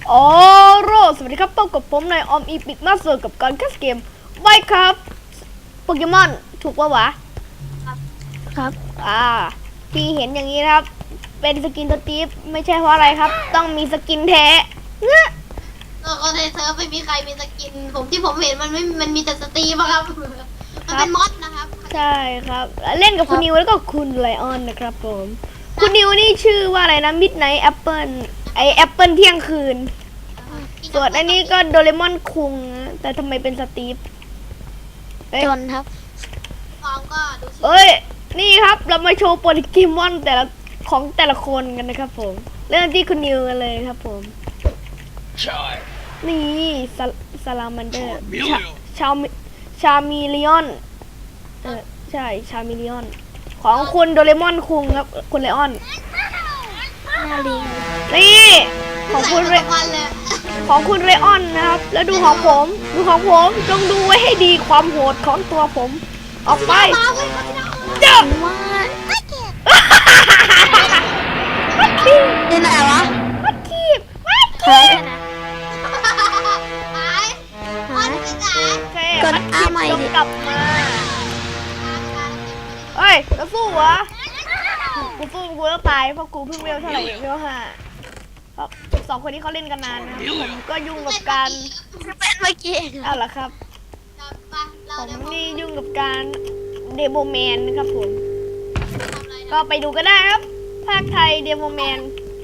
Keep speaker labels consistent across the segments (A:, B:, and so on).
A: โอ้โรสวัสดีครับพบกับผมในออมอีพิกมาสเตอร์กับการแคสเกมไมน์ครับโปเกมอนถูกปะวะครับที่เห็นอย่างนี้นะครับเป็นสกินสตีฟไม่ใช่เพราะอะไรครับต้องมีสกินแท้เนี่ย
B: ก็ในเซิร์ฟไม่มีใครมีสกินที่ผมเห็นมันมีแต่สตรีมครับมันเป็นมอดนะครับ
A: ใช่ครับเล่นกับคุณนิวแล้วก็คุณไลออนนะครับผมคุณนิวนี่ชื่อว่าอะไรนะมิดไนท์แอปเปิลแอปเปิลเที่ยงคืนส่วนอันนี้ก็โดเรมอนคุงแต่ทำไมเป็นสตีฟ
C: จนครับ
B: ฟองก็ดูสิ
A: เอ้ยนี่ครับเรามาโชว์โปเกมอนแต่ละคนกันนะครับผมเริ่มที่คุณนิวกันเลยครับผมนี่ซาลามันเดอร์ชามิลิออนใช่ชามิลิออนของคุณโดเรมอนคุงครับคุณไลออน
C: น่าลิง
A: นี่ของคุณเรออนนะครับแล้วดูของผมจงดูไว้ให้ดีความโหดของตัวผมออกไปเจ้า
C: ว่าเป็นไหนวะ
A: มัดคีบ
C: ใช่นะ
B: หายมอดที่ไหน
A: กดอาใหม่ดิกลับมาเฮ้ยจะสู้วะกูสู้กูต้องตายเพราะกูเพิ่งเวลเท่าไหร่เวล5สองคนนี้เขาเล่นกันนานนะผมก็ยุ่งกับการ
C: เป็นเมื่อกี้
A: เอาล่ะครับผมนี่ยุ่งกับการเดโมแมนนะครับผมก็ไปดูกันได้ครับภาคไทยเดโมแมน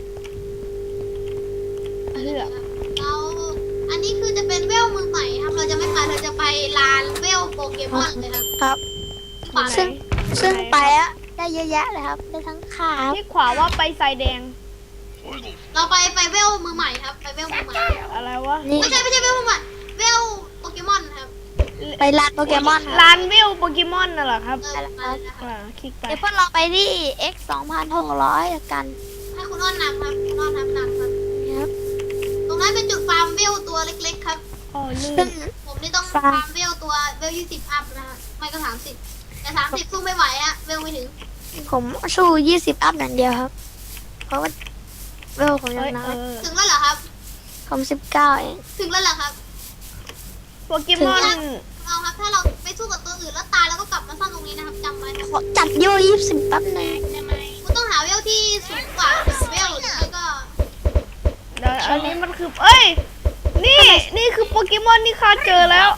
B: เราอันนี้คือจะเป็นเวลมือใหม่ครับเราจะไม่ไปเราจะไปลานเวลโปเกมอนเลยครับ
C: ซึ่งไปอะได้เยอะแยะเลยครับได้ทั้งขา
A: ที่ขวาว่าไปสายแดง
B: เราไปเวลมือใหม่ครับไปเวลมือใหม่
A: อะไรวะ
B: ไม่ใช่เวลมือใหม่เวลโปเกมอนครับ
C: ไปร้านโปเกมอน
A: ร้านเวลโปเกมอนน่ะเหรอครับคลิกไป
C: เดี๋ยวพวกเราไปที่ X 2600กัน
B: ให้คุณอ้อนนำครับคุณอ้อนนำครับตรงนั้นเป็นจุดฟาร์มเวลตัวเล็กๆครับ
A: ซึ่ง
B: ผมนี่ต้องฟาร์มเวลตัวเวล20อัพนะครับไม่ก็30แต่30สู้ไม่ไหวอะเวลไม่ถึง
C: ผมสู้20อัพอย่างเดียวครับเพราะว่าเวลผมยังน้อย
B: ถึงแล้วเหรอครับ
C: ผม19เอง
B: ถึงแล้วเหรอครับ
A: โปเกมอน
B: เอาครับถ้าเราไปสู้กับตัวอื่นแล้วตายแล้วก็กลับมาซ่อมตรงนี้นะครับจำไว้
C: จัดโย20แป๊บนึง
B: คุณต้องหาเวลที่สูงกว่าเวลแล้วก็
A: อันนี้มันคือเอ้ยนี่คือโปเกมอนที่ข้าเจอแล้ว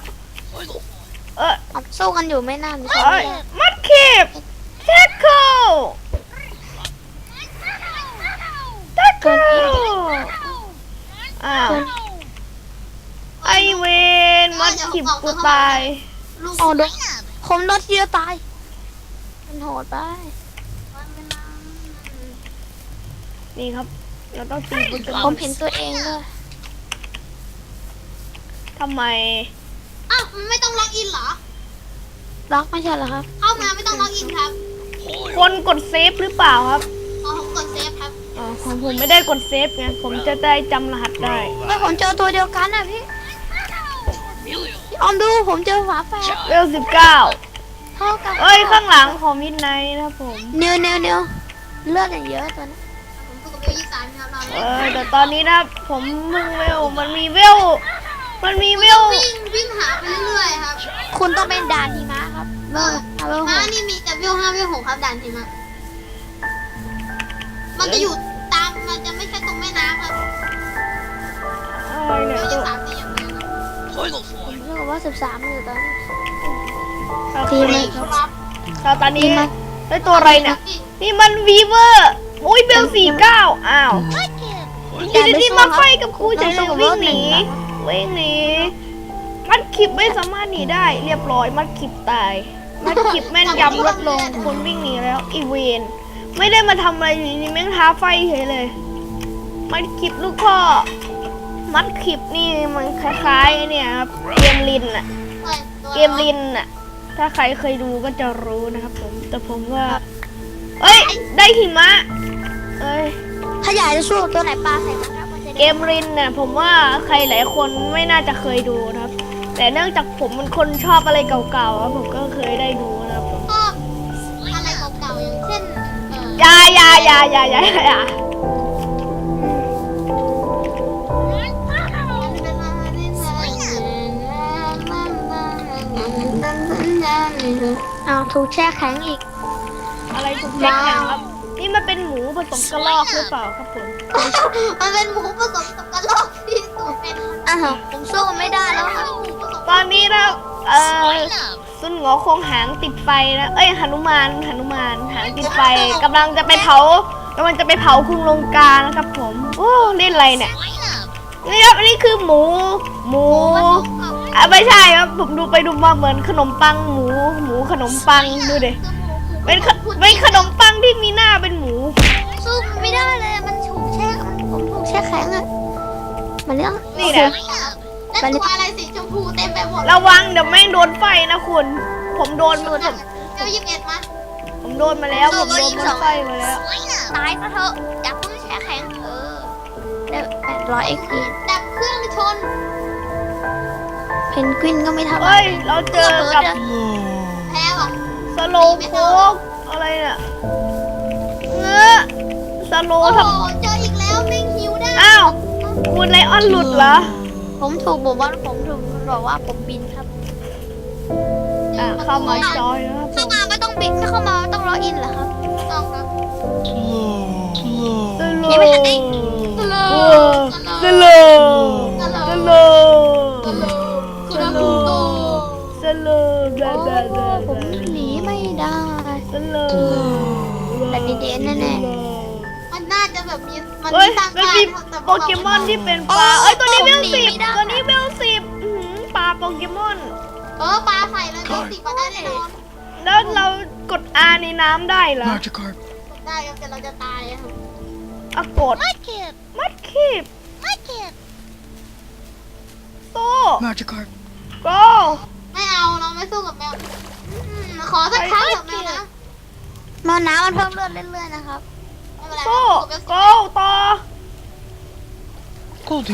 C: สู้กันอยู่ไม่นาน
A: มัดเข็บแท็กเกิลไอเวนมัดขิบกูตาย
C: โอ้โดนผมโดนเดียวตายมันโหดไป
A: นี่ครับเราต้องตีบนกระ
C: ผมเห็นตัวเองเลย
A: ทำไม
B: อ้าวมันไม่ต้องล็อกอินเหรอ
C: ล็อกไม่ใช่เหรอครับ
B: เข้ามาไม่ต้องล็อกอินครับ
A: คนกดเซฟหรือเปล่าครับ
B: ผมกดเซฟครับ
A: ของผมไม่ได้กดเซฟไงผมจะได้จำรหัสได้
C: ไม่ผมเจอตัวเดียวกันนะพี่ออมดูผมเจอฝาแฝด
A: เวล19
C: เท่ากัน
A: เอ้ยข้างหลังของมิดไนท์นะครับผม
C: เนียวเลือดอย่างเยอะตัวนี้
B: ผมสู้กับเวล23ครับ
A: แต่ตอนนี้นะผมมึงเวลมันมีเวล
B: วิ่งหาไปเรื่อยๆครับ
C: คุณต้องเป็นด่านหิมะครับ
B: ม้านี่มีแต่เวล5เวล6ครับด่านหิมะมันจะอยู่ตามมันจะไม่ใช่ตรงแม่น้ำครับเวล23จะยังไง
C: ผมเชื่อว่า13อยู่ตอนนี้
A: ทีมตอนนี้ได้ตัวอะไรเนี่ยนี่มันวีเวอร์อุ้ยเบล49อ้าวที่มาไฟกับครูจะวิ่งหนีมัดขิบไม่สามารถหนีได้เรียบร้อยมัดขิบตายมัดขิบแม่นยำลดลงคนวิ่งหนีแล้วอีเวนไม่ได้มาทำอะไรอยู่นี่แม่งท้าไฟเฉยเลยมัดขิบลูกข้อมัดขิบนี่มันคล้ายๆเนี่ยครับเกมลินน่ะถ้าใครเคยดูก็จะรู้นะครับผมแต่ผมว่าเอ้ยได้หิมะ
C: ถ้าอยากจะสู้ตัวไหนปลาใส่มันครับ
A: เกมลินเนี่ยผมว่าใครหลายคนไม่น่าจะเคยดูนะครับแต่เนื่องจากผมเป็นคนชอบอะไรเก่าๆผมก็เคยได้ดูนะครับผม
B: ชอบอะไรเก่าๆอย่างเช่น
A: ยา
C: อ้าวถูกแช่แข็งอีก
A: อะไรถูกแช่แข็งครับ นี่มันเป็นหมูผสมกระรอกหรือเปล่าครับผม
B: มันเป็นหมูผสมกับกระรอกที่ตัวเป็น
C: อ้าวผมสู้มันไม่ได้แล้วครับ
B: หมูผสม
A: ตอนนี้นะซุนหงอคงหางติดไฟนะ เอ้ยหนุมานหางติดไฟกำลังจะไปเผาคุณลงกานะครับผม โอ้เล่นอะไรเนี่ย นี่ครับอันนี้คือหมูไม่ใช่ครับ ผมดูไปดูมาเหมือนขนมปังหมูขนมปังดูดิเป็นขนมปังที่มีหน้าเป็นหมู
C: สู้มันไม่ได้เลยมันถูกแช่ผมถูกแช่แข็งอะมันเรื่อง
A: นี่นะ
B: และตัวอะไรสีชมพูเต็มไปหมด
A: ระวังเดี๋ยวแม่งโดนไฟนะคุณ ผมโดนมา
B: เจ้า21มา
A: ผมโดนมาแล้วผมโดนมันไฟมาแล้ว
C: ตายซะเถอะอย่าเพิ่งแช่แข็งได้800 XP
B: ดับเครื่องชน
C: เพนกวินก็ไม่ทำ
A: เฮ้ยเราเจอกับ
B: แพ้ว่ะ
A: สโลว์โคกอะไรเนี่ยเงอะสโล
B: โอ้
A: ว์
B: โห
A: ทำ
B: เจออีกแล้วแม่งฮิวได้
A: อ้าวคุณไลออนหลุดเหรอ
C: ผมถูกบอกว่าผมบินครับ
A: เข้ามาจอยแล้วครับผ
C: เข้าม มาไม่ต้องบินเข้ามาไม่ต้องรออินเหรอครับ
B: ต้องครับ
A: สโล
C: ยังไม่ทันได้
B: สโล
A: สโลสโล
B: คุณอาบูโต
A: สโลบลาบลาบลา
C: ผมหนีไม่ได้
A: สโล
C: แต่ดีเด่นแน่
B: มันน่าจะแบบมีมัน
A: เฮ้ย
B: สร้าง
A: มัน
B: บ้าน
A: มี
B: แต่
A: โปเกมอนที่เป็นปลาเอ้ยตัวนี้เวล10ตัวนี้เวล10ปลาโปเกมอน
B: ปลาใส่เลยเป็น10มาได้แน่นอน
A: แล้วเรากด R ในน้ำได้เหรอ
D: Magikarp.
B: ได้ครับแต่เราจะตายอะครับ
A: อะกดมัดขีบโต
D: Magikarp.
A: โก
B: ไม่เอาเราไม่สู้กับแมวขอสักครั้งเถอะแมวนะ
C: ๆมาน้ำมันเพิ่มเลือดเรื่อยๆนะครับ
B: ไม่เป็นไร
A: โต
B: สู้กับ
A: โกต่อ
D: Goldie. Goldie.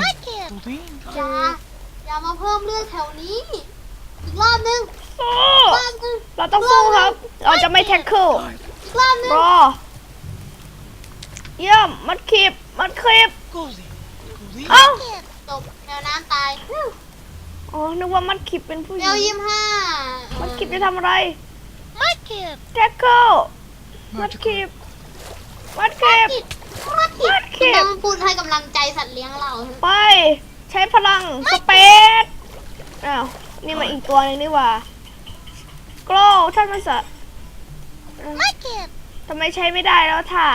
B: อย่ามาเพิ่มเลือดแถวนี้ อีกรอบนึง
A: โต
B: รอบนึง
A: เราต้องสู้ครับ เราจะไม่แท็กเกิล
B: อีกรอบนึง
A: รอเยี่ยมมัดขีบ
D: Goldie. Goldie.
A: เอ้า
B: จบแมวน้ำตาย
A: อ๋อนึกว่ามัดขีบเป็นผู้ห
B: แม
A: ญิ
B: ว
A: ง
B: 25
A: มัดขีบจะทำอะไรแท็กเกิลมัดขีบ
B: มัดผิดคุณต้องพูดให้กำลังใจสัตว์เลี้ยงเรา
A: ไป ใช้พลังสเปซอ้าวนี่มาอีกตัวหนึงนี่หว่าโกลท่านมันสะทำไมใช้ไม่ได้แล้วท่า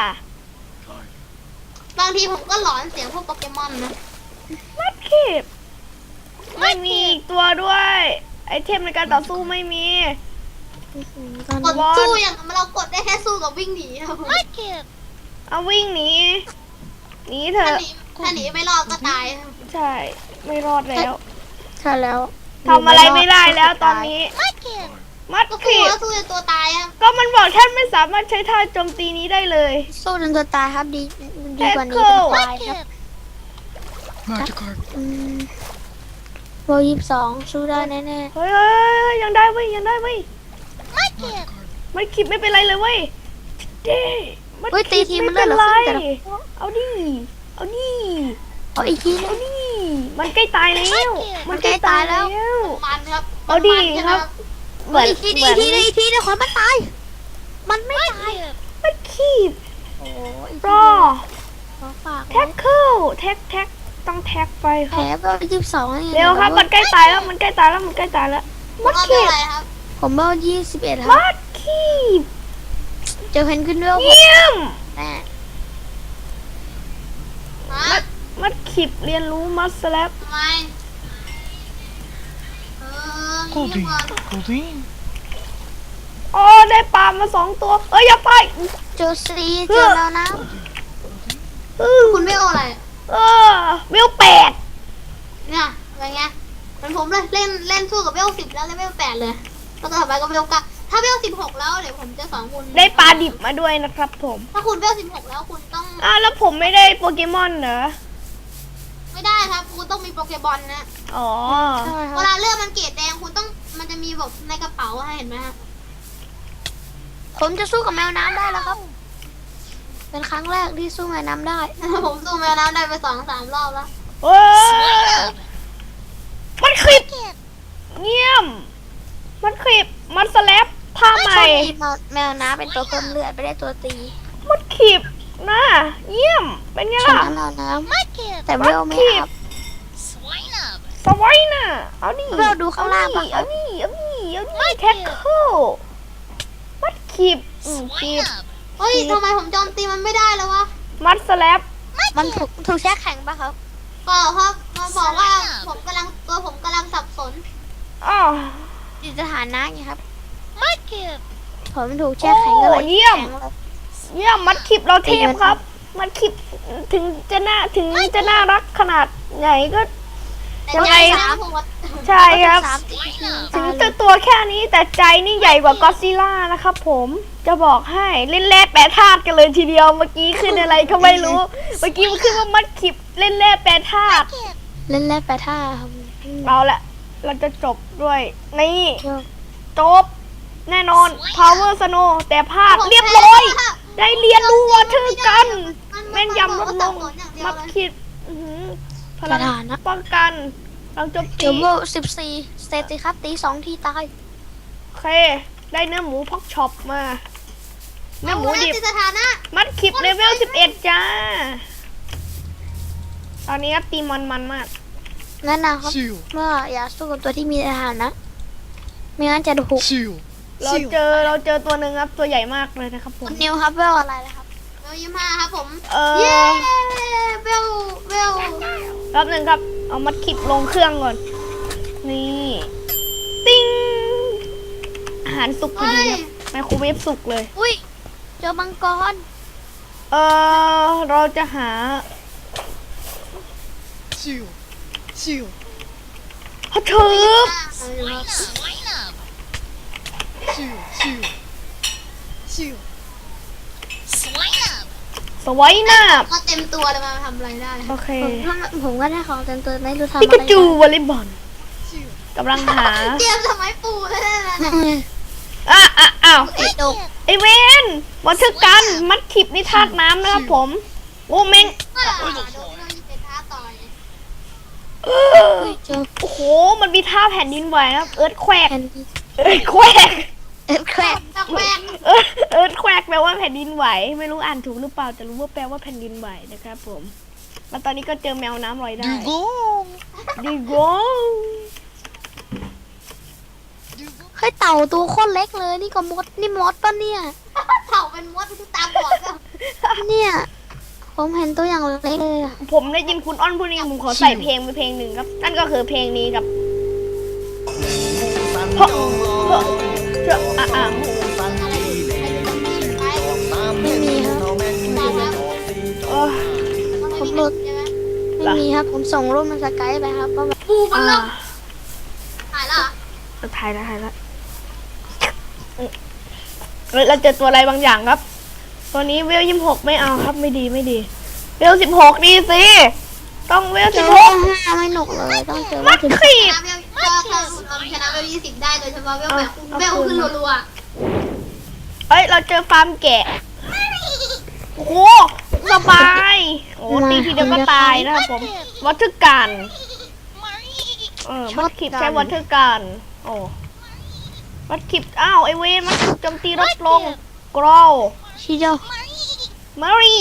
B: บางทีผมก็หลอนเสียงพวกโปเกมอนนะ
A: มัดขีบไม่มีอีกตัวด้วย ไอเทมในการต่อสู้ไม่มี
B: กดสู้อย่างเรากดได้แค่สู้กับวิ่งหนีครับ
A: เอาวิ่งหนีหนีเถ
B: ถ้า
A: อะ
B: หนีถ้าหนีไม่รอดก็ตายครับ
A: ใช่ ไม่รอดแล้ว
C: ใช่แล้ว
A: ทำอะไรไม่ได้แล้วตอนนี้ มัด
B: ก็สู้
A: ขีบ
B: แล้วสู้จนตัวตายครับ
A: ก็มันบอกท่านไม่สามารถใช้ท่าโจมตีนี้ได้เลย
C: สู้จนตัวตายครับดีกว่านี้
A: แท็กเกิ
C: เป็น
A: ล
C: ตายครับ
D: Magikarp.
C: โบ22สู้ได้แน่
A: เฮ้ยเฮ้ยยังได้เว้ยยังได้เว้ย
D: Magikarp.
A: มัดขีบไม่เป็นไรเลยเว้ยเด้มัด
C: ๆเฮ้ยตี
A: ขี
C: ที
A: บ
C: มัน
A: ไม่
C: เลื
A: เป็
C: อด
A: น
C: เหลือ
A: ไร
C: ครึ่งแต่ละ
A: เอาดิเอาดิ
C: เอาอีกทีนึ
A: เอา
C: ง
A: ดิมันใกล้ตายแล้ว
C: มันใกล้ตายแล้ว
B: มันครับ
A: เอาดิ
B: มันใช่ไหม
A: ครับ เหมือน
C: อีกทีนึ
A: เห
C: ง
A: มื
C: อี
A: อก น
C: ทีนึงอีกทีนึงขอมันตาย มันไม่ตาย
A: มัดขีบ
C: โอ้ย
A: รอ
C: ขอฝาก
A: แท็กเกิลแท็กต้องแท็กไปค
C: แผ
A: รั
C: ล
A: บ
C: เบล22นี่
A: เร็วครับมันใกล้ตายแล้วมันใกล้ตายแล้วมันใกล้ตายแล้วมัด
B: ว่า
A: ขี
B: เป็น
A: บ
B: อะไรครับ
C: ผมเบล21ครับ
A: มัดขีบ
C: เจอเพนกวินเวล
A: เยี่ยม
C: แน่
B: ฮะ
A: มัดขีบเรียนรู้มัดสแลป
B: ทำไมเงียบ
D: Goldie.
B: ก่อน
D: Goldie.
A: อ๋อได้ปลามา2 ตัวเอ้ยอย่าไป
C: เจอซีเจอแล้วนะ
B: คุณไม่เอาอะไร
A: เออเวล8
B: เนี่ยอะไรเงี้ยเหมือนผมเลยเล่นสู้กับเวล10แล้วเวล8เลยแล้วก็ต่อไปก็เวล9ถ้าเวล16แล้วเดี๋ยวผมจะสอนคุณ
A: ได้ปลาดิบมาด้วยนะครับผม
B: ถ้าคุณเวล16แล้วคุณต้อง
A: แล้วผมไม่ได้โปเกมอนเหรอ
B: ไม่ได้ครับคุณต้องมีโปเกบอลนะ
A: อ๋อ
C: ใช่ค
B: เว
C: รับ
B: ลาเลือดมันเกรดแดงคุณต้องมันจะมีแบบในกระเป๋าให้เห็นไหมครับ
C: ผมจะสู้กับแมวน้ำได้แล้วครับ เป็นครั้งแรกที่สู้แมวน้ำได้
B: ผมสู้แมวน้ำได้ไป2-3 รอบแล้ว
A: เฮ้ยมันคลิปเงียบมันคลิปมัดสแลปท่าใหม่
C: แมวน้ำเป็นตัวเพิ่มเลือดไม่ได้ตัวตี
A: มัดขีบนะเยี่ยมเป็นไง
C: ช
A: ล่ะ
C: นะแมวน้
D: Mudkip.
C: ำแต่เวลไม่อัพ
D: Swine up.
A: สไว้น่ะเอาดิ
C: เราดูข้างล่างปะ
A: เอาดิเอาดิเอาดิแท็กเกิลมัดขีบขี
D: Swine
A: บ
D: up.
B: เฮ้ยทำไมผมโจมตีมันไม่ได้แล้ววะ
A: มัดสแลป
C: มันถูกแช่แข็งปะครับ
B: เปล่าครับมันบอกว่าผมกำลังสับสน
A: อ๋อ
C: อยู่สถานะไงครับ
D: Mudkip.
C: ผมถูกแช่แข็งก็เลย
A: โอ้เยี่ยม
C: แข็งเลย
A: เยี่ยมมัดขีบเราเทพครับ มัดขีบถึงจะน่ารักขนาดไหนก็
B: แต่
A: ยัง
B: ใจ
A: ไง
B: นะผมว่า
A: ใช่ครับ
C: สามสิบ
A: ถึงจะตัวแค่นี้แต่ใจนี่ใหญ่กว่าก็อดซิลล่านะครับผมจะบอกให้เล่นแร่แปรธาตุกันเลยทีเดียวเมื่อกี้ขึ้นอะไรก็ไม่รู้ เมื่อกี้มันขึ้นว่ามัดขีบเล่นแร่แปรธาตุ
C: เล่นแร่แปรท่าครับ
A: เอาละเราจะจบด้วยนี่
C: เชื่อ
A: จบแน่นอน power snow แต่พลาดเรียบร้อย ได้เรียนรู้วอเทอร์กันแม่นยำลดลงมัดขีดอื้อหือพลังป้องกันพลังโจมตี
C: เดี๋ยวเวล14 สเตติครับตี2 ทีตาย
A: โอเค ได้เนื้อหมูพอกช็อปมา เนื้อหมูดิบ
B: สถานะ
A: มัดขีบเลเวล 11 จ้า ตอนนี้ครับตีมันมาก
C: งั้นนะครับ
D: Seal.
C: เมื่ออย่าสู้กับตัวที่มีสถานะไม่งั้นจะถูก
D: Seal.
A: เราเจอตัวหนึ่งครับตัวใหญ่มากเลยนะครับผม
C: คุณนิวครับเวลอะไรนะครับ
B: เบล25ครับผม
A: เอ
B: เย้
A: อ
B: เบล
A: แป๊บหนึ่งครับ เอามัดขีบลงเครื่องก่อน นี่ ติ้ง อาหารสุกพอดีครับไมโครเวฟสุกเลย
C: อุ้ยเจอมังกร
A: เราจะหา
D: Seal. Seal.
A: ฮอตทึบ
D: Swine up. Seal. Seal. Seal. Swine up.
A: สไวยหน้าบ
B: ก็เต็มตัวเลยมาทำอะไรได้
A: โอเค
C: ผมก็ได้ของเต็มตัวไม่รู้ทำ
A: ปิ
C: อะ
A: กา
C: ไร
A: จูวอลเลย์บอล
D: Seal.
A: กำลังหา
B: เตรียมสมัยปู่เลยนะ
A: อ้าว
C: ไอ้ดก
A: ไอเวนวอเทอร์กัน มัดขีบนี่ธาตุน้ำนะครับผม โอ้เมง
B: โดนเป็นท้าต่อย
C: เจอ
A: โอ้โห มันมีท่าแผ่นดินไหวครับ เอิร์ธแควก
C: แผ่นดิน
A: เอิร์ธแควก
C: แครก
B: ตักแวก
A: เอิร์ธแควกแปลว่าแผ่นดินไหว ไม่รู้อ่านถูกหรือเปล่า แต่รู้ว่าแปลว่าแผ่นดินไหวนะครับผม แล้วตอนนี้ก็เจอแมวน้ำลอยได้
D: Dugong.
A: ดีโก
D: Dugong.
C: เฮ้ยเต่าตัวโคตรเล็กเลยนี่ก็มดนี่มดปะเนี่ย
B: เผาเป็นมดตาบอดแล้ว
C: เนี่ยผมเห็นตัวอย่างเล็กเลยอะ
A: ผมได้ยินคุณอ้อนพูดนี่ผมขอใส่เพลงไปเพลงหนึ่งครับ นั่นก็คือเพลงนี้ครับเพราะอ่ะ
C: ไม่มีครับ
A: เออ
C: ผมหลุดไม่มีครับผมส่งรูปมาสกายไปครับว่าแบบ
B: ปูมัน
A: อ่า
B: แล้วหายแล้ว
A: ถ่ายแล้วเฮ้ยเราเจอตัวอะไรบางอย่างครับ ตัวนี้เวล26ไม่เอาครับไม่ดีเวล16ดีสิ ต้องเวล
C: เจอ
A: 16
C: 5ไม่หนุกเลยต้องเจอ
A: มั
C: ว่า
A: ด
C: ถึง
A: ขีบ
B: ชนะเวลชนะเวล20ได้โดยเฉพาะเวลแบบเวลขึ้นรัว
A: เอ้ย เราเจอฟาร์มแกะ โอ้โหสบาย โอ้ตีทีเดียวก็ตายนะครับผม วอเตอร์กัน มัดขีบใช้วอเตอร์กัน โอ้ มัดขีบอ้าวไอเวนมัดขีบโจมตีลดลงกรอล
C: ชิโด
A: มารี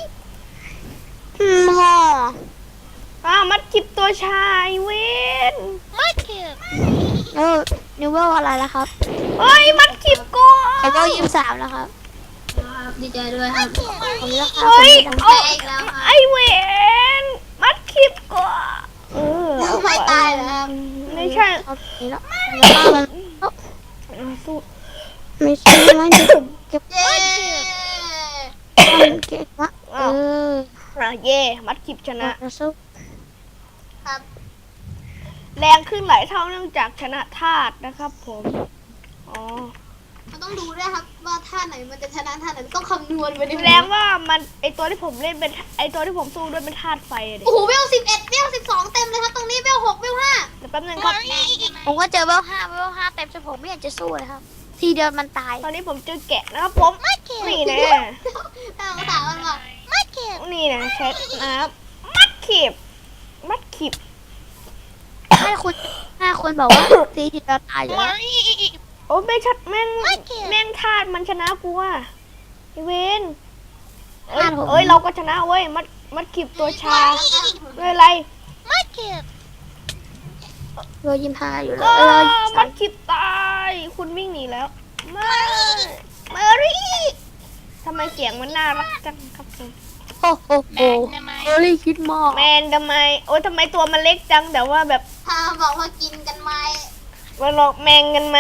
C: หมอ
A: อ้าวมัดขีบตัวชายเวน
D: Mudkip.
C: นิวเวลอะไรแล้วครับ
A: เฮ้ย มัดขีบกู
C: เขาเวล23แล้วครับ
B: ๆดีใจด้วยครับ
C: ผมเลือกครับ
A: เฮ้ย
C: ผม
A: เอา
B: แพ้อีกแล้วครับ
A: ไอเวนมัดขีบกูเอา
B: ไม่ตายเหรอครับ
A: ไม่ใช่
C: เอานี้แล้วแล้วมัน
A: สู้
C: ไม่ใช่ไม่เก็บ
B: เย้
C: มันเก็บวะ
A: เย่มัดขีบชนะ
C: เราสู้
B: ครับ
A: แรงขึ้นหลายเท่าเนื่องจากชนะธาตุนะครับผม อ๋อ
B: มันต้องดูด้วยครับว่าท่าไหนมันจะชนะท่าไหนต้องคำนวณไปดิ
A: แสดงว่ามันไอตัวที่ผมเล่นเป็นไอตัวที่ผมสู้ด้วยเป็นธาตุไฟอะดิ
B: โอ้โหเวล11เวล12เต็มเลยครับตรงนี้เวล6เวล5
A: เดี๋ยวแป๊บนึงครับ
C: ผมก็เจอเวล5เต็มจนผมไม่อยากจะสู้เลยครับ ทีเดียวมันตาย
A: ตอนนี้ผมเจอแกะนะครับผมนี่นะ
B: ถ้าภาษามันว่า
A: นี่นะเช็ดนะครับมัดขีบมัดขีบ
C: 5 คนบอกว่าทีเดียวตายอยู่แล้ว
A: โอ้ไม่ชัดแม่ง
D: ไม่เกี่ยว
A: แม่งธาตุมันชนะกูอ่ะไอเวนเอ้ย
C: ธาตุผม
A: เอ้ยเราก็ชนะเว้ยมัดขีบตัวชาไม่เป็นไร
D: Market.
C: เบล25อยู่แล้
A: อ้
C: ว
A: มัดขีบตายคุณวิ่งหนีแล้วไม่เมอรี่ทำไมเสียงมันน่ารักจังครับคุณ
C: โอ้โหเบลลี่คิดมาก
A: แมนทำไมโอ้ยทำไมตัวมันเล็กจังแต่ว่าแบบ
B: ถ้าบอกว่ากินกันไหม
A: มันบอกแมงกันไหม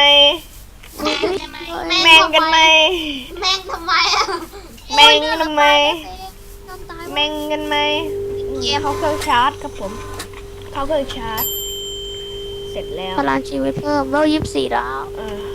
A: แมงกันไหม
B: แม่งทำไมอ่ะ
A: แมงทำไมแมงกันไหมเนี่ยเขาเครื่องชาร์จครับผมเขาเครื่องชาร์จเสร็จแล้ว
C: พลังชีวิตเพิ่มเบล24แล้ว
A: เออ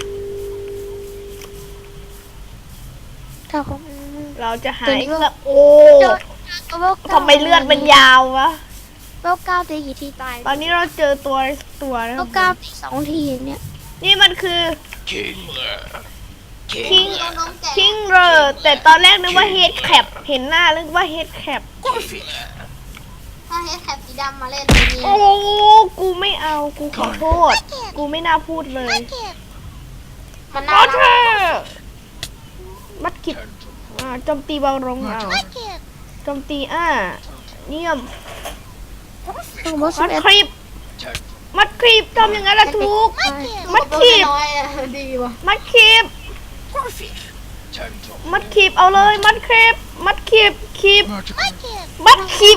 C: ถ้าผม
A: เราจะหายแล้วโอ้
C: เบล
A: ทำไมเลือดมันยาววะ
C: เบล9ตีกี่ทีตาย
A: ตอนนี้เราเจอตัวนะ
C: เบ
A: ครั
C: ล
A: บ
C: 9ตี2ทีเนี่ย
A: นี่มันคือ
E: Kingler.
A: คิง
B: โดนน้องแก่
A: คิงเรอร์แต่ตอนแรกนึกว่าเฮดแคปเห็นหน้านึกว่าเฮดแคป
E: Corfield.
B: ถ้าเฮดแคปสีดำมาเล่นตัวนี้
A: โอ้กูไม่เอากูขอโทษ กูไม่น่าพูดเลย
D: Market.
B: มัน
A: ข
B: น่า
A: อ
B: รั
A: เธ
B: ก
A: มัดขิดโจมตีเบาลงเอา
D: Market.
A: โจมตีเยี่ยม
C: ต้องบอส
A: มัด
C: 11
A: ครีบมัดครีบทำอย่างนั้นละถูก
D: Market.
A: มัดขีบ
B: น้อยอะดีว่ะ
A: มัดครีบ
E: Corfield. Turn to
A: มัดครีบเอาเลยมัดครีบมัดครีบครีบ
D: Market.
A: มัดครีบ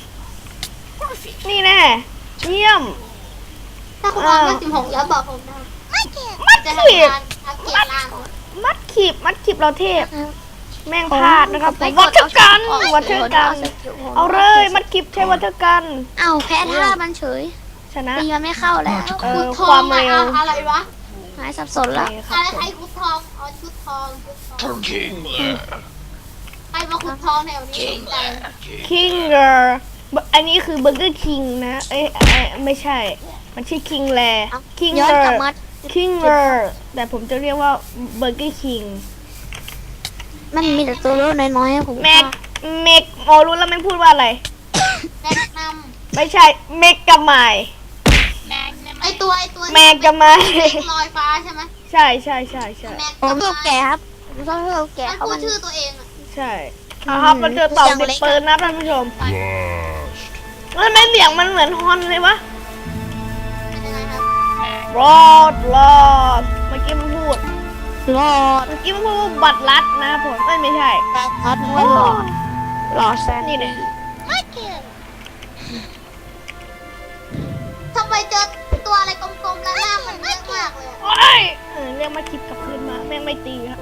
A: นี่แน่เยี่ยม
B: ถ้าคุณวางว่า16แล้วบอกผมนะ
D: Market.
A: มัด
B: จะ
A: ครีบ
B: ทำการอัปเกรดล่าง
A: มัดครีบมัดครีบเราเทพ แม่งพลาดนะครับผมวัตถุกันวัตถุกันเอาเลยมัดครีบใช้วัตถุกัน
C: เอ้าแพ้ท่ามันเฉย
A: ชนะ
C: ตีมันไม่เข้าแล้ว
A: เอ
B: คุ
A: อ
B: ดท
A: ค
B: อ
A: วาง ม
B: อะ
A: เร็ว
B: อะไรวะ
C: หายสับสนแล้ว
A: โอเคค
B: อะ
A: รับ
B: ไร
A: ผม
B: ใครคุดทองอ๋อชุดทองชุดทอง
E: Kingler.
B: ใครมาขุดทองแถวนี้สนใจ
A: คิงเกอร์อันนี้คือเบอร์เกอร์คิงนะเอ้ยไม่ใช่ มันชื่อคิงแลคิง
C: ย้อ
A: เก
C: น
A: อก
C: ลับ
A: ร์
C: มา
A: คิงเกอร์แต่ผมจะเรียกว่าเบอร์เกอร์คิง
C: มันมีแต่ตัวเล็กน้อยๆให้ผม
A: แม็กเมกโอรู้แล้วแม่งพูดว่าอะไร
B: แนะน
A: ไม่ใช่เมกกับไม
B: ำไอตัว
A: แมกกับไม
B: ลอยฟ้าใช่ไหม
A: ใช่ใช่ใช่ใช่
B: แม็ก
C: ผมชอบแก่ครับผมชอบแก่
B: มัน
C: เขา
B: พู
C: มั
B: ด
C: น
B: ชื่อตัวเองอะ
A: ใช่ครับมันเจอเต่าติดปืนนะท่านผู้ชม
E: Blast.
A: แล้วทำไมเสียงมันเหมือนฮอนเลยวะ
B: เป็นยังไงครับ
A: รอดเมื่อกี้มันพูด
C: รอด
A: เมื่อกี้มันพูดว่าบัตรลัดนะผมไม่ใช่
C: รอดไม่รอดรอดแซน
A: นี่เนี่ย
D: Market.
B: ทำไมเจอตัวอะไรกลมๆแล้วหน้ามันเยอะมากเลยอะ
A: โอ้ยเรียกมาคิดกลับคืนมาแม่งไม่ตีครับ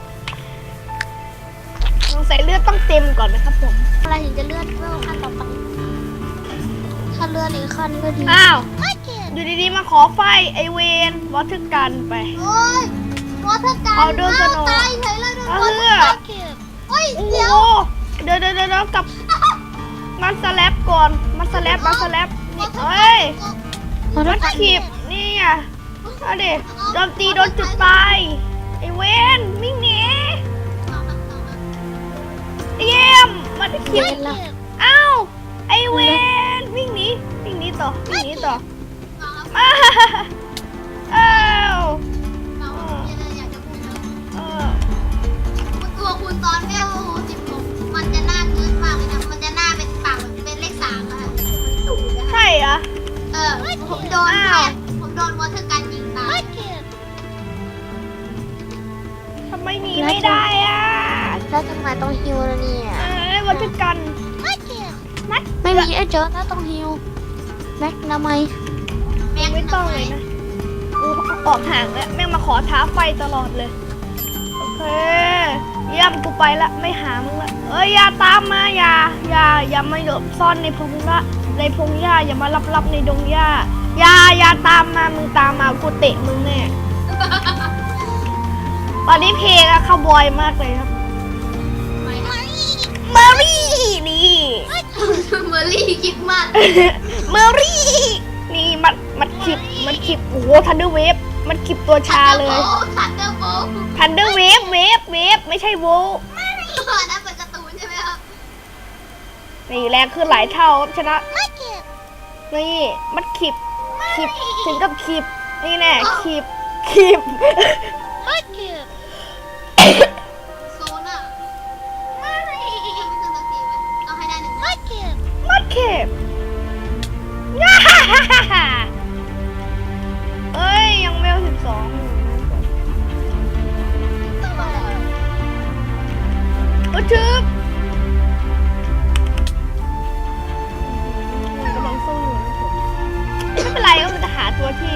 A: สงสัยเลือดต้องเต็มก่อนนะครับผม
C: อะไรถึงจะเลื่อนเวลขั้นต่อไปถ้าเลื่อนอีกขั้นก็ดี
A: อ้าว
D: Market.
A: อยู่ดีๆมาขอไฟไอเวนวัตถุกันไป
B: โอ้ยวอเตอร์การ
A: เอาเดินสโนว์
B: ตายเฉยเลยโดน
A: เอา
B: วอเตอ
A: เลือ
B: ร์
A: ด
D: Market.
B: เฮ้ย
A: โอ้โห
B: เดี๋ยว
A: เดี๋ยวกลับมาสแลบก่อนมาสแลบนี่เอ้ย
C: มัน
A: มัดขีบนี่อ่ะเอาดิโดนตีโดนจุดตายไอเวนวิ่งหนีเยี่ยมมัดขีบ
D: Market.
A: อ้าวไอเวนวิ่งหนีต่อมาอ้าว
B: อยากจะพูดนะ
A: เออ
B: ตัวคุณตอนเวล16มันจะหน้าเกินมากเลยนะ มันจะหน้าเป็นปากแบบเป็นเลข3อะค่ะมันสูงนะคะ
A: ใช่เหรอ
B: ผมโดน
A: อ้าว
B: ผมโดนวอเตอร์การยิงตาย
D: Market.
A: ทำไมหนีไม่ได้อ่ะ
C: แล้วทำไมต้องฮิวล่ะเนี่ย
A: วัตถุกัน
D: Market.
C: ไม่มีไอ้เจอถ้าต้องฮิวแม็กทำไม
B: แม็ก
A: ไม่ต้องเลยนะกูออกห่างแล้วแม่งมาขอท้าไฟตลอดเลย โอเคเยี่ยมกูไปละไม่หามึงละอย่าตามมาอย่ามาหลบซ่อนในพงละในพงหญ้าอย่ามาลับในดงหญ้าอย่าตามมามึงตามมากูเตะมึงแน่ตอนนี้เพลงอะคาวบอยมากเลยครับเมอรี่นี่
B: เมอร์รี่คิดมาก
A: เมอรี่นี่มันคลิปโอ้โหทันเดอร์เวฟมันคลิปตัวชาเลย
B: ทันเดอร์โบล
A: ทันเดอร์เวฟไม่ใช่โว
B: นั่นเป็นการ์ตูนใช่ไหมครับ
A: นี่แรงขึ้นหลายเท่าครับชนะ
D: Market.
A: นี่มันคลิปถึงกับคลิปนี่แน่คลิปคีบ
D: Mudkip.
B: โซนอ่ะไม่ขึ้นสักทีไหมต้องให้ได้หนึ่งนะ
D: Mudkip.
A: มัดเข็บง่าฮ่าฮ่าฮ่าฮ่าเอ้ย ยังเวล12อยู่โอ้ชืบมันกำลังสู้อยู่นะผมไม่เป็นไรก็มันจะหาตัวที่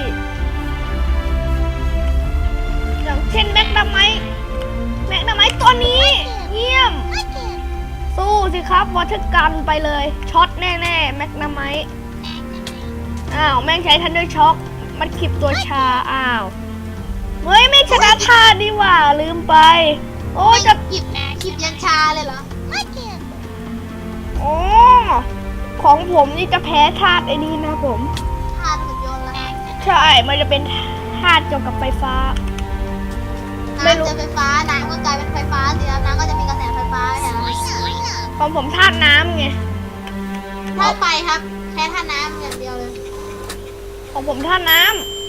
A: อย่างเช่นแม็กดาไมต์ตัวนี้ เยี่ยม
D: Mudkip.
A: สู้สิครับวอเตอร์กันไปเลยช็อตแน่ๆแม็กนาไมต์อ้าวแม่งใช้ทันเดอร์ช็อคมันขีบตัวชาอ้าวเฮ้ยไม่ชนะท่าดีหว่าลืมไป โอ้จะ
B: หยิบหยิบยันชาเลยเหรอ
D: Mudkip.
A: โอ้ของผมนี่จะแพ้ธาตุไอ้นี่นะผม
B: ทานหุ่นยนต์ละ
A: ใช่มันจะเป็นธาตุเกี่ยวกับไฟฟ้า ไม่รู้
B: น้ำจะไฟฟ้าน้ำก็กลายเป็นไฟฟ้าสิแล้วน้ำก็จะมีกระแสไฟฟ้าใช่ไหม
A: ของผมธาตุน้ำไง
B: ถ้าไฟครับแค่ท่าน้ำอย่างเดียวเลย
A: ของผมธาตุน้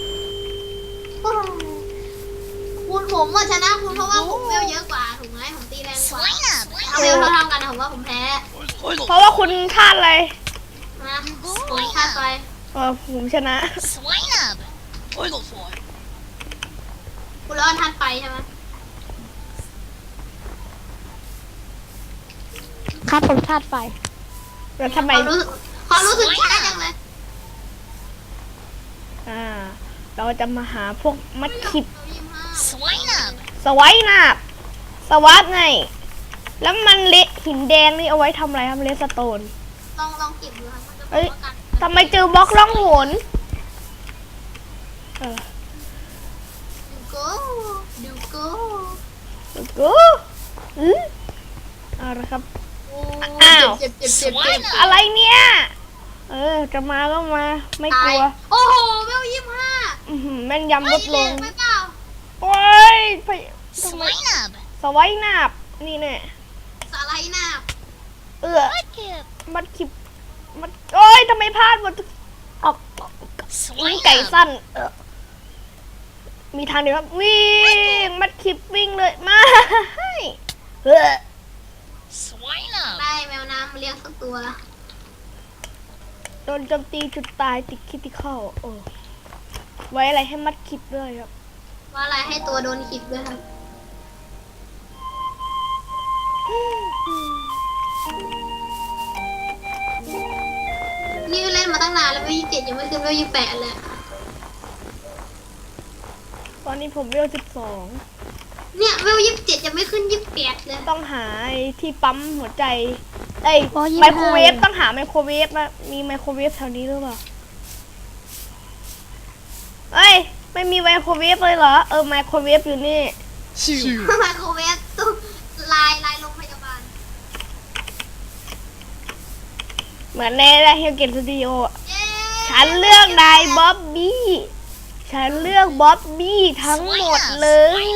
B: คุณผมว่าชนะคุณเพราะว่าผมเวลเยอะกว่าถูกไหมผมตีแรงกว่าเอาเวลเท่าๆกันนะผมว่าผมแพ้
A: ำเพราะว่าคุณธาตุอะไร
B: นะผมคาดไป
A: ผมชนะ
B: คุณร้อนทันไปใช่ไหม
C: ครับผมธาตุไฟ
A: แล้วทำไม
B: ความรู้สึกช้าจังเลย
A: เราจะมาหาพวกมัดขิบ
B: 25
A: สไวายนาบสวัสดไง แล้วมันเละหินแดงนี่เอาไว้ทำอะไรครับเลสโตน
B: ลองเก็บดูครับมันจะ
A: เอ้ย
B: ป้องกัน
A: ทำไมเจอบล็อกล่องหนเออ
B: ดูโก้
A: กูเอาละครับ
B: โอ้
A: อ้าว
B: เจ็บ
A: อะไรเนี่ย จะมาก็มา ไม่กลัว
B: โอ้โหเวล25
A: อื้อหือแม่นยำลดลง
B: ไม่เปล่า
A: โอ้ยไปทำไมสไวายนาบนี่แน่
B: สไลด์หน้า
D: Mudkip.
A: มันขิบมันโอ้ยทำไมพลาดหมดออกวิ่งไก่สั้นมีทางเดียวครับวิ่งมัดขิบวิ่งเลยมาเออ
B: ได้แมวน้ำมาเลี้ยงสักตัว
A: โดนโจมตีจุดตายติดคิติคอลไว้อะไรให้มัดขิบด้วยครับ
B: ว่าอะไรให้ตัวโดนขิดด้วยครับนี่เล่นมาตั้งนานแล้วเวล27ยังไม่ขึ้นเวล28เลย
A: ตอนนี้ผมเวล12
B: เนี่ยเวล27ยังไม่ขึ้น28เลย
A: ต้องหาไอ้ที่ปั๊มหัวใจไอ้ย
C: โอ้25
A: ไมโครเวฟต้องหาไมโครเวฟนะมีไมโครเวฟแถวนี้หรือเปล่าเอ้ยไม่มีไมโครเวฟเลยเหรอไมโครเวฟอยู่นี่
B: ไมโครเวฟตู้ลายโรงพยาบาล
A: เหมือนในเฮลเกตสตูดิโอ
B: เย้
A: ฉันเลือกนายบ๊อบบี้ฉันเลือกบ๊อบบี้ทั้งหมดเลย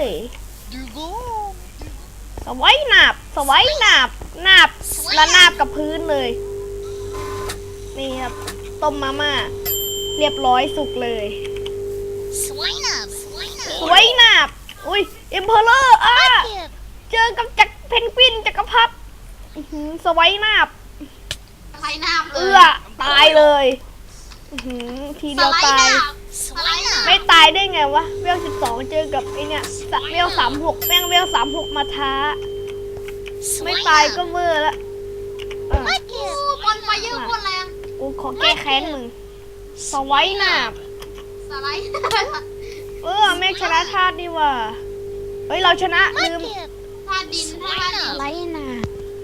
A: สไว้หนาบนาบและนาบกับพื้นเลย นี่ครับต้มมาม่าเรียบร้อยสุกเลยสไว้หนาบอุ้ยเอ็มเพอเรอร์
D: Mudkip.
A: เจอกับจักรเพนกวินจักรพรรดิสไว้หนาบ
B: สไลด์หน้าเล
A: เอื้
B: ย
A: อตายเลยทีเดียวตาย
B: สไลด์หน้า
A: ไม่ตายได้ไงวะเวล12เจอกับไอเนี่ยเวล36แม่งเวล36มาท้า ไม่ตายก็เวอร์ละ
D: Mudkip.
B: บอลไฟเยอะบอลแรง
A: กูขอแก้แค้นมึงสไว้หนาบ
B: สไลด์
A: แม่งชนะธาตุนี่ว่ะเฮ้ยเราชนะลืม
D: Mudkip.
B: ท่าดินท่าดิน
C: ไรน่ะ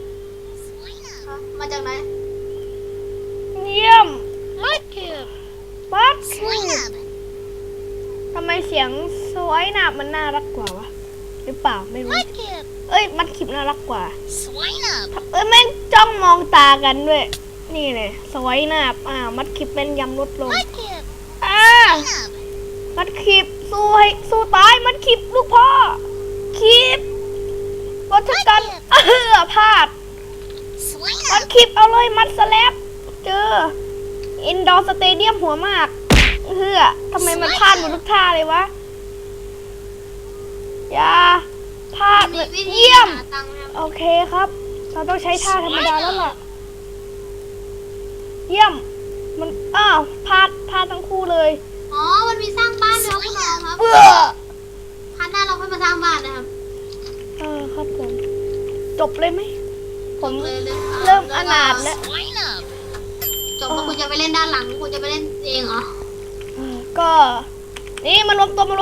B: มาจากไหน
A: เยี่ยม
D: Mudkip.
A: บัสทำไมเสียงสไว้หนาบมันน่ารักกว่าวะหรือเปล่าไม่รู้
D: Mudkip.
A: มัดขิบน่ารักกว่าแม่งจ้องมองตากันด้วย นี่เลยสไว้หนาบมัดขิบเป็นยำลดลง
D: Mudkip.
A: มัดขิบสู้ตายมัดขิบลูกพ่อขิบวัชกันพลาดมัดขิบเอาเลยมัดสแลบเจออินดอร์สเตเดียมหัวมากทำไมมันพลาดหมดทุกท่าเลยวะอย่าท่า
B: มีวิธี
A: เยี่ยม
B: หาตังค์นะครับ
A: โอเคครับ เราต้องใช้ท่าธรรมดาแล้วล่ะ เยี่ยม มันอ้าวพลาดทั้งคู่เลย
B: อ๋อ มันมีสร้างบ้านด้วยครับคุณน้องครับ
A: เบื่อ
B: พันหน้าเราค่อยมาสร้างบ้านนะครับ
A: ครับผม จบเลยไหม ผม
B: เลย
A: เริ่มอนาถแล้ว
D: Line up.
B: จบแล้วคุณจะไปเล่นด้านหลัง คุณจะไปเล่นเองเหรอ
A: ก็ นี่มารวมตัว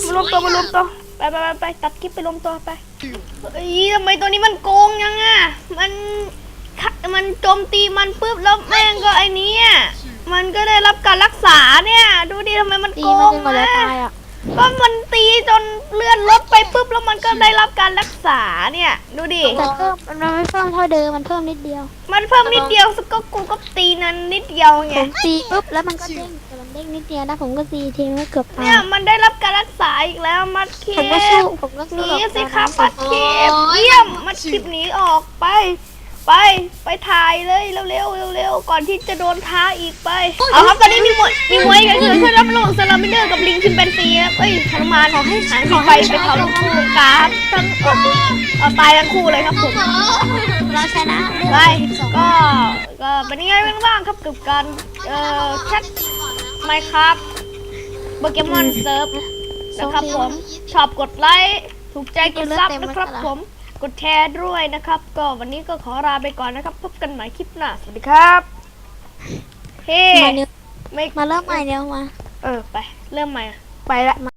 A: ไปตัดคลิปไปรวมตัวไปเอ้ยทำไมตัวนี้มันโกงยังอ่ะมันโจมตีมันปุ๊บแล้วแม่งก็ไอ้นี้อ่ะมันก็ได้รับการรักษาเนี่ย ดูดิทำไมมัน
C: ตี
A: โก
C: มัน
A: ง
C: จนกว่าจะ
A: อ่ะ
C: ตายอ่ะ
A: ก็มันตีจนเลื่อนลดไปปุ๊บแล้วมันก็ได้รับการรักษาเนี่ย ดูดิ
C: แต่เพิ่มมันไม่เพิ่มเท่าเดิมมันเพิ่มนิดเดียว
A: มันเพิ่มนิดเดียวก็กูก็ตีนั้นนิดเดียวไง
C: ผมตีปุ๊บแล้วมันก็เด้งแต่มันเด้งนิดเดียวนะผมก็ตีทีนึงก็เกือบตาย
A: เนี่ยมันได้รับการรักษาอีกแล้วมัดเค
C: ผมก็สู้
A: หนี
C: กับ
A: สิครับ
C: มั
A: มัดเคเยี่ยมมัดคลิปหนีออกไปถ่ายเลยเร็วก่อนที่จะโดนท้าอีกไปเอาครับตอนนี้มีมวยกันคือเพื่อนรับลงซาลามิเดอร์กับลิงชิมแปนซีครับทรมานขอให้หายไปเป็นเขาทั้งคู่การทั้งเอาตายทั้งคู่เลยครับผม
C: เราชนะ
A: ไปก็เป็นยังไงบ้างครับกับการแคทไมค์ครับโปเกมอนเซิร์ฟนะครับผมชอบกดไลค์ถูกใจกดซับนะครับผมกดแชร์ด้วยนะครับ ก็วันนี้ก็ขอลาไปก่อนนะครับ พบกันใหม่คลิปหน้าสวัสดีครับเฮ้
C: มาเร็ว
A: ไม่
C: มาเริ่มใหม่เร็วมา
A: ไปเริ่มใหม่ไปละ